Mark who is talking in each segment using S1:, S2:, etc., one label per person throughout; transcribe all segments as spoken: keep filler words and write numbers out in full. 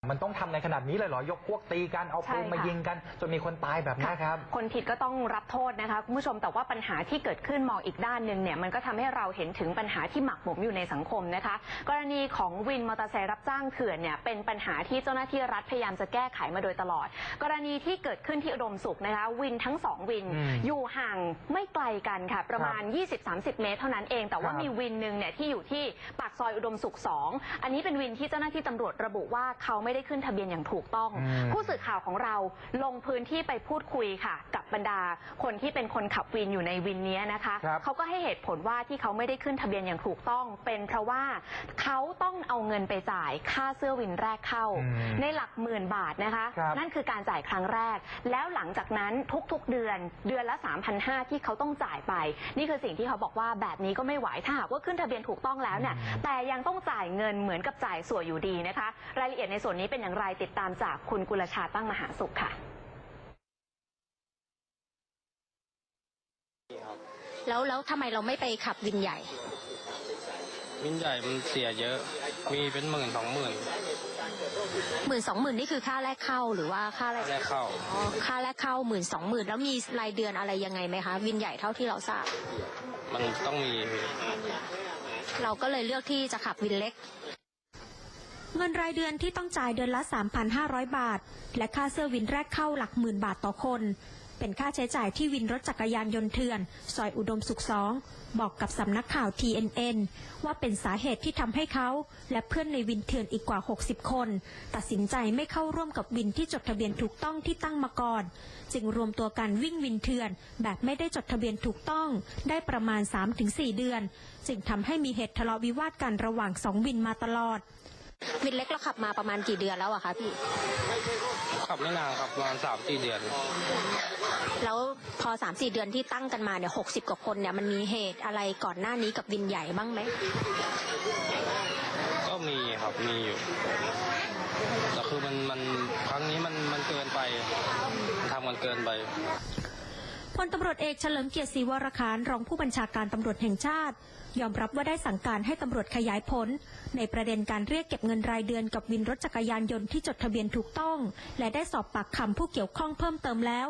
S1: มันต้องทำในขนาดนี้เลยเหรอยกพวกตีกันเอาปืนมายิงกันจนมีคนตายแบบนี้ครับ
S2: คนผิดก็ต้องรับโทษนะคะคุณผู้ชมแต่ว่าปัญหาที่เกิดขึ้นมองอีกด้านหนึ่งเนี่ยมันก็ทำให้เราเห็นถึงปัญหาที่หมักหมมอยู่ในสังคมนะคะกรณีของวินมอเตอร์ไซค์รับจ้างเถื่อนเนี่ยเป็นปัญหาที่เจ้าหน้าที่รัฐพยายามจะแก้ไขมาโดยตลอดกรณีที่เกิดขึ้นที่อุดมสุขนะคะวินทั้งสองวินอยู่ห่างไม่ไกลกันค่ะประมาณ ยี่สิบถึงสามสิบ เมตรเท่านั้นเองแต่ว่ามีวินหนึ่งเนี่ยที่อยู่ที่ปากซอยอุดมสุขสองอันนี้เป็นวินที่เจ้าหน้าที่ตำรวจระบุว่าเขาไม่ได้ขึ้นทะเบียนอย่างถูกต้องผู้สื่อข่าวของเราลงพื้นที่ไปพูดคุยค่ะกับบรรดาคนที่เป็นคนขับวินอยู่ในวินนี้นะคะเขาก็ให้เหตุผลว่าที่เขาไม่ได้ขึ้นทะเบียนอย่างถูกต้องเป็นเพราะว่าเขาต้องเอาเงินไปจ่ายค่าเสื้อวินแรกเข้าในหลักหมื่นบาทนะคะนั่นคือการจ่ายครั้งแรกแล้วหลังจากนั้นทุกๆเดือนเดือนละ สามพันห้าร้อย ที่เขาต้องจ่ายไปนี่คือสิ่งที่เขาบอกว่าแบบนี้ก็ไม่ไหวถ้าหากว่าขึ้นทะเบียนถูกต้องแล้วเนี่ยแต่ยังต้องจ่ายเงินเหมือนกับจ่ายสวยอยู่ดีนะคะรายละเอียดในส่วนนี้เป็นอย่างไรติดตามจากคุณกุลชาตั้งมหาสุขค่ะ
S3: แล้วแล้วทำไมเราไม่ไปขับวินใหญ่
S4: วินใหญ่มันเสียเยอะมีเป็นหมื่นสองหมื่น
S3: หมื่นสองหมื่นนี่คือค่าแรกเข้าหรือว่าค่าอะไร
S4: แรกเข้า
S3: อ๋อค่าแรกเข้าหมื่นสองหมื่นแล้วมีรายเดือนอะไรยังไงไหมคะวินใหญ่เท่าที่เราทราบ
S4: มันต้องมี
S3: เราก็เลยเลือกที่จะขับวินเล็กเงินรายเดือนที่ต้องจ่ายเดือนละ สามพันห้าร้อย บาทและค่าเสื้อวินแรกเข้าหลักหมื่นบาทต่อคนเป็นค่าใช้จ่ายที่วินรถจักรยานยนต์เถื่อนซอยอุดมสุขสองบอกกับสำนักข่าว ที เอ็น เอ็น ว่าเป็นสาเหตุที่ทำให้เขาและเพื่อนในวินเถื่อนอีกกว่าหกสิบคนตัดสินใจไม่เข้าร่วมกับวินที่จดทะเบียนถูกต้องที่ตั้งมาก่อนจึงรวมตัวกันวิ่งวินเถื่อนแบบไม่ได้จดทะเบียนถูกต้องได้ประมาณ สามถึงสี่ เดือนจึงทำให้มีเหตุทะเลาะวิวาทกันระหว่างสองวินมาตลอดวินเล็กเราขับมาประมาณกี่เดือนแล้วอะคะพี่
S4: ขับไม่นานครับประมาณสามสี่เดือน
S3: แล้วพอสามสี่เดือนที่ตั้งกันมาเนี่ยหกสิบกว่าคนเนี่ยมันมีเหตุอะไรก่อนหน้านี้กับวินใหญ่บ้างไหม
S4: ก็มีครับมีอยู่แต่คือมันมันครั้งนี้มันมันเกินไปทำกันเกินไป
S3: พลตำรวจเอกเฉลิมเกียรติศรีวรคารรองผู้บัญชาการตำรวจแห่งชาติยอมรับว่าได้สั่งการให้ตำรวจขยายผลในประเด็นการเรียกเก็บเงินรายเดือนกับวินรถจักรยานยนต์ที่จดทะเบียนถูกต้องและได้สอบปากคำผู้เกี่ยวข้องเพิ่มเติมแล้ว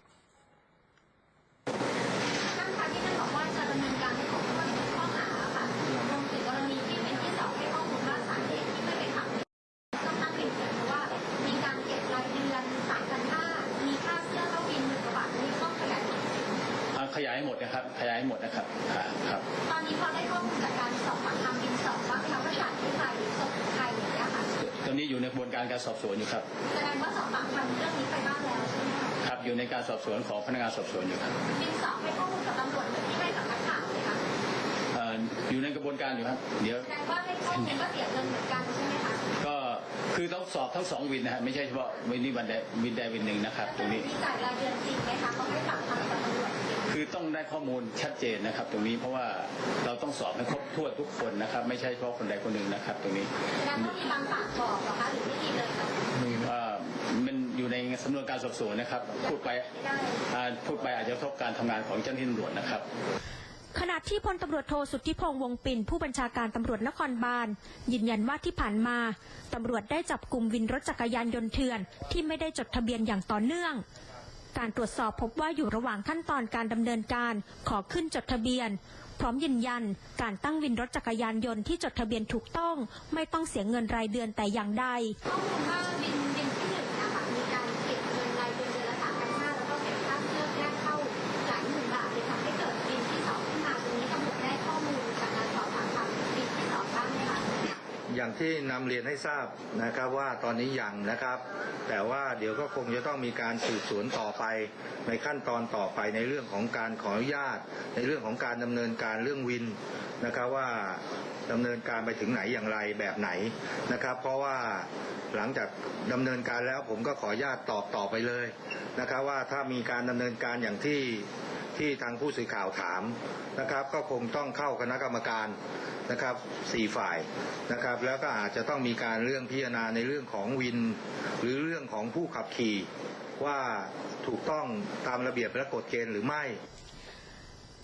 S3: ท่านคะที่ท่านบอกว่าจะดำเนินการให้ของผู้ถูกข้อหาค่ะรวมถึงกรณีที่เป็นที่สอบให้ข้อมูลว่าสาเหตุที่ไม่ไปขับต้องตั้งเป็นเพราะว่ามีการเก็บรายเดือนสามพันห้ามีค่าเสื้อเข้าวินหมื่นกว่าบาทนี่ต้องขยาย
S5: ขยายให้หมดนะครับขยายให้หมดนะครับครับ
S3: ตอนนี้พอได้ข้อมูลจากการสอบปากคำบินสอบว่าเขาประชาธิปไตยหรือสอบไทยอย่างเงี้ยค่ะ
S5: ตอนนี้อยู่ในกระบวนการการสอบสวนอยู่ครับ
S3: แสดงว่าสอบปากคำเรื่องนี้ไปบ้างแล้วใช่ไหมคะ
S5: ครับอยู่ในการสอบสวนของพนักงานสอบสวนอยู่ครับ
S3: บินสอบให้ข้อมูลกับตำรวจเหมือนที่ให้กับนักข่าวเลยค่ะ
S5: อยู่ในกระบวนการอยู่ครับเดี๋ยว
S3: แสดงว่าให้ข้อมูลก็เสียเงินเหมือนกันใช่ไหมคะ
S5: ก็คือต้องสอบทั้งสองวินนะฮะไม่ใช่เฉพาะวินนี้วันใดวินใดวินหนึ่งนะครับตรงนี้
S3: มีจ่ายรายเดือนจริงไหมคะเขาให้ปากคำกับตำรวจ
S5: คือต้องได้ข้อมูลชัดเจนนะครับตรงนี้เพราะว่าเราต้องสอบให้ครบถ้วนทุกคนนะครับไม่ใช่เฉพาะคนใดคนหนึ่งนะครับตรงนี้
S3: แล้วต้องมีบางปากบอกเหรอคะหรือไม่มีเลยคะ
S5: มันอยู่ในสำนวนการสอบสวนนะครับพูดไปพูดไปอาจจะกระทบการทำงานของเจ้าหน้าที่ตำรวจนะครับ
S3: ขณะที่พลตำรวจโทสุทธิพงษ์วงปิ่นผู้บัญชาการตำรวจนครบาลยืนยันว่าที่ผ่านมาตำรวจได้จับกลุ่มวินรถจักรยานยนต์เถื่อนที่ไม่ได้จดทะเบียนอย่างต่อเนื่องการตรวจสอบพบว่าอยู่ระหว่างขั้นตอนการดำเนินการขอขึ้นจดทะเบียนพร้อมยืนยันการตั้งวินรถจักรยานยนต์ที่จดทะเบียนถูกต้องไม่ต้องเสียเงินรายเดือนแต่อย่างใดข้อมูลว่าวินวินที่หนึ่งนะคะมีการเก็บเงินรายเดือนเดือนละสามพันห้าแล้วก็เก็บค่าเสื้อแรกเข้าหลายหมื่นบาทเลยทำให้เกิดวินที่สองขึ้นมาตรงนี้ตำรวจได้ข้อมูลจากการสอบปากคำวินที่สองบ้างไหมคะ
S6: อย่างที่นำเรียนให้ทราบนะครับว่าตอนนี้ยังนะครับแต่ว่าเดี๋ยวก็คงจะต้องมีการสืบสวนต่อไปในขั้นตอนต่อไปในเรื่องของการขออนุญาตในเรื่องของการดำเนินการเรื่องวินนะครับว่าดำเนินการไปถึงไหนอย่างไรแบบไหนนะครับเพราะว่าหลังจากดำเนินการแล้วผมก็ขออนุญาตตอบต่อไปเลยนะครับว่าถ้ามีการดำเนินการอย่างที่ที่ทางผู้สื่อข่าวถามนะครับก็คงต้องเข้าคณะกรรมการนะครับสี่ฝ่ายนะครับแล้วก็อาจจะต้องมีการเรื่องพิจารณาในเรื่องของวินหรือเรื่องของผู้ขับขี่ว่าถูกต้องตามระเบียบและกฎเกณฑ์หรือไม่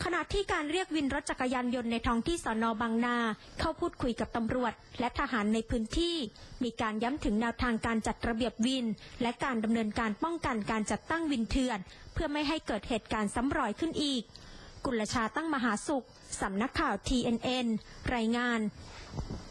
S3: ขณะที่การเรียกวินรถจักรยานยนต์ในท้องที่สน.บางนาเข้าพูดคุยกับตำรวจและทหารในพื้นที่มีการย้ำถึงแนวทางการจัดระเบียบวินและการดำเนินการป้องกันการจัดตั้งวินเถื่อนเพื่อไม่ให้เกิดเหตุการณ์ซ้ำรอยขึ้นอีกกุลชาตั้งมหาสุขสำนักข่าว ที เอ็น เอ็น รายงาน